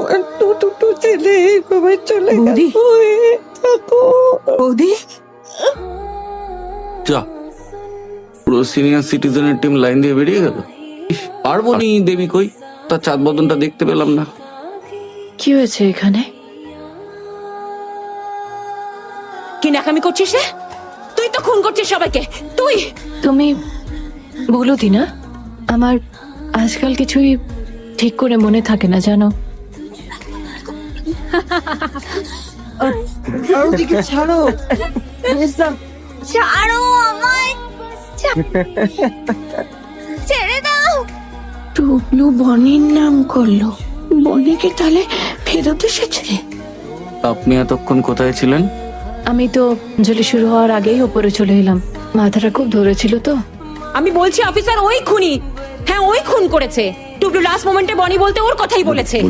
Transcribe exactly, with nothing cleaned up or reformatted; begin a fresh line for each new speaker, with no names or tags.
আমার তো দুটো ছেলে এইভাবে চলে গেল।
বৌদি
যা, পুরো সিনিয়র সিটিজেনের টিম লাইন দিয়ে বেরিয়ে গেল। ইস, পারবো নি দেবী কই, তার চাঁদ বদনটা দেখতে পেলাম না।
কি হয়েছে এখানে?
কি নাকামি করছিস রে? তুই তো খুন করছিস সবাইকে। তুই
তুমি বলো দিনা, আমার আজকাল কিছুই ঠিক করে মনে থাকে না জানো।
ওদিকে ছাড়ো,
ছাড়ো আমায়, ছেড়ে দাও।
টুবলু বনির নাম করলো, বনিকে তাহলে ফেরত এসেছে।
আপনি এতক্ষণ কোথায় ছিলেন?
আমি তো অঞ্জলি শুরু হওয়ার আগেই ওপরে চলে এলাম, মাথাটা খুব ধরেছিল তো।
আমি বলছি অফিসার ওই খুনি, হ্যাঁ ওই খুন করেছে। টুবলু লাস্ট মোমেন্টে বনি বলতে ওর কথাই বলেছে।